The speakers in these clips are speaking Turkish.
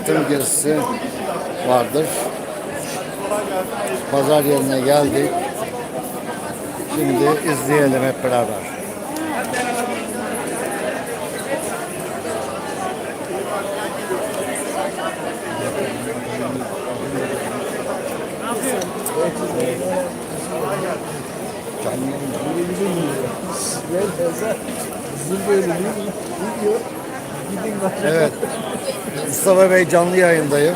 tır gezisi vardır. Pazar yerine geldik. Şimdi izleyelim hep beraber. Evet. Mustafa Bey canlı yayındayım.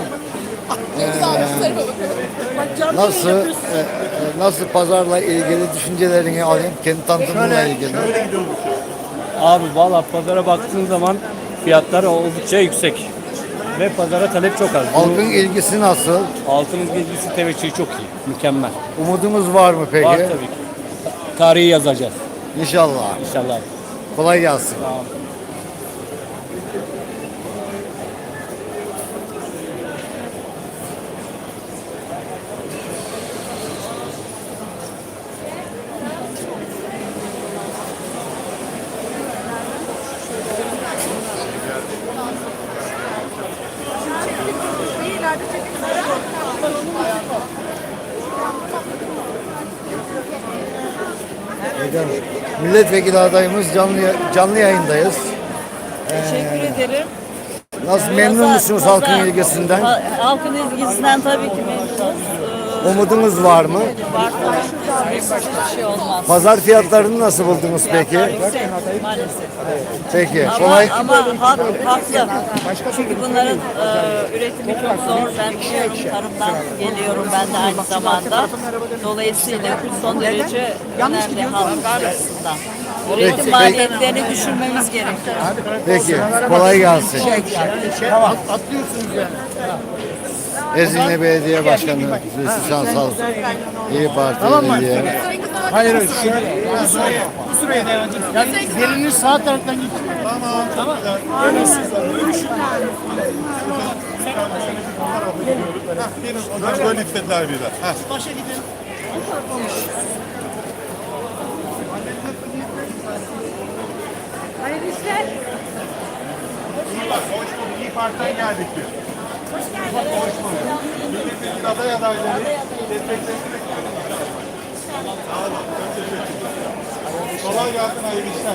Nasıl pazarla ilgili düşüncelerini alayım, kendi tanıtımınla ilgili. Abi valla pazara baktığın zaman fiyatlar oldukça yüksek ve pazara talep çok az. Halkın ilgisi nasıl? Altının ilgisi teveccühü çok iyi, mükemmel. Umudumuz var mı peki? Var tabii ki. Tarihi yazacağız İnşallah. inşallah. Kolay gelsin. Tamam. Milletvekili adayımız canlı yayındayız. Teşekkür ederim. Nasıl memnun musunuz halkın ilgisinden? Halkın ilgisinden tabii ki memnunuz. Umudunuz var mı? Var tabii. Hiçbir şey olmaz. Pazar fiyatlarını nasıl buldunuz peki? Yüksek maalesef. Peki. Kolay. Ama haklı. Çünkü bunların üretimi çok zor. Ben biliyorum, tarımdan geliyorum ben de aynı zamanda. Dolayısıyla son derece önemli halk açısından. Üretim maliyetlerini düşürmemiz gerekiyor. Peki. Kolay gelsin. Ezine Belediye Başkanı Zülfü Şansal, İyi Parti Belediye. Hayır şöyle. Bu sıraya ya gelinin sağ taraftan git. Tamam. Böyle istediler bir de. Başa gidin. Hayırlı işler. Hoş bulduk. İyi Parti'den geldik biz. Hoş geldiniz. Hoş bulduk. Milletvekili aday adayları desteklerini bekliyoruz. Sağ olun. Çok teşekkürler. Kolay gelsin. Hayırlı işler.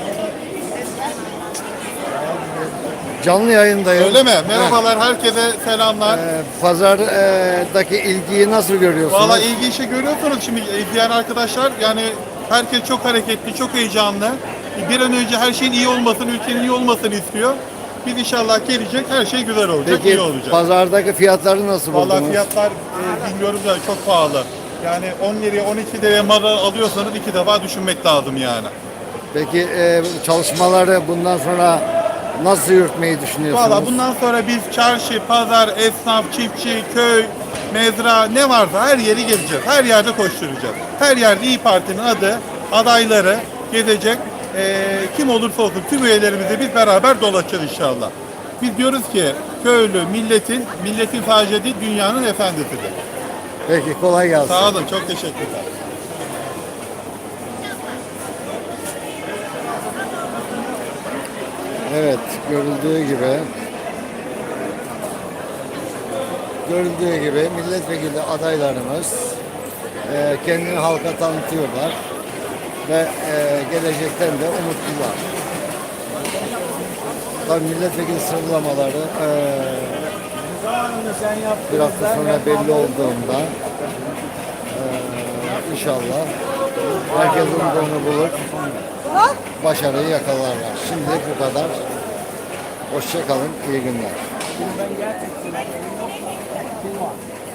Canlı yayındayım. Öyle mi? Merhabalar. Herkese selamlar. Pazardaki ilgiyi nasıl görüyorsunuz? Valla ilgi işe görüyorsunuz şimdi izleyen arkadaşlar. Yani herkes çok hareketli, çok heyecanlı. Bir an önce her şeyin iyi olmasını, ülkenin iyi olmasını istiyor. Biz inşallah gelecek, her şey güzel olacak, iyi Peki olacak. pazardaki fiyatları nasıl buldunuz? Valla fiyatlar bilmiyorum da çok pahalı. Yani 10 liraya 12 liraya mal alıyorsanız iki defa düşünmek lazım yani. Peki çalışmaları bundan sonra nasıl yürütmeyi düşünüyorsunuz? Valla bundan sonra biz çarşı, pazar, esnaf, çiftçi, köy, mezra ne varsa her yeri gezeceğiz. Her yerde koşturacağız. Her yerde İYİ Parti'nin adı, adayları gezecek. Kim olursa olsun tüm üyelerimizi biz beraber dolaşacağız inşallah. Biz diyoruz ki köylü milletin sadece değil dünyanın efendisidir. Peki kolay gelsin. Sağ olun, çok teşekkürler. Evet, görüldüğü gibi milletvekili adaylarımız kendini halka tanıtıyorlar ve gelecekten de umutlular. Tabii milletvekili sıralamaları bir hafta sonra belli olduğunda inşallah herkes umduğunu bulur, başarıyı yakalarlar. Şimdi bu kadar. Hoşça kalın, iyi günler.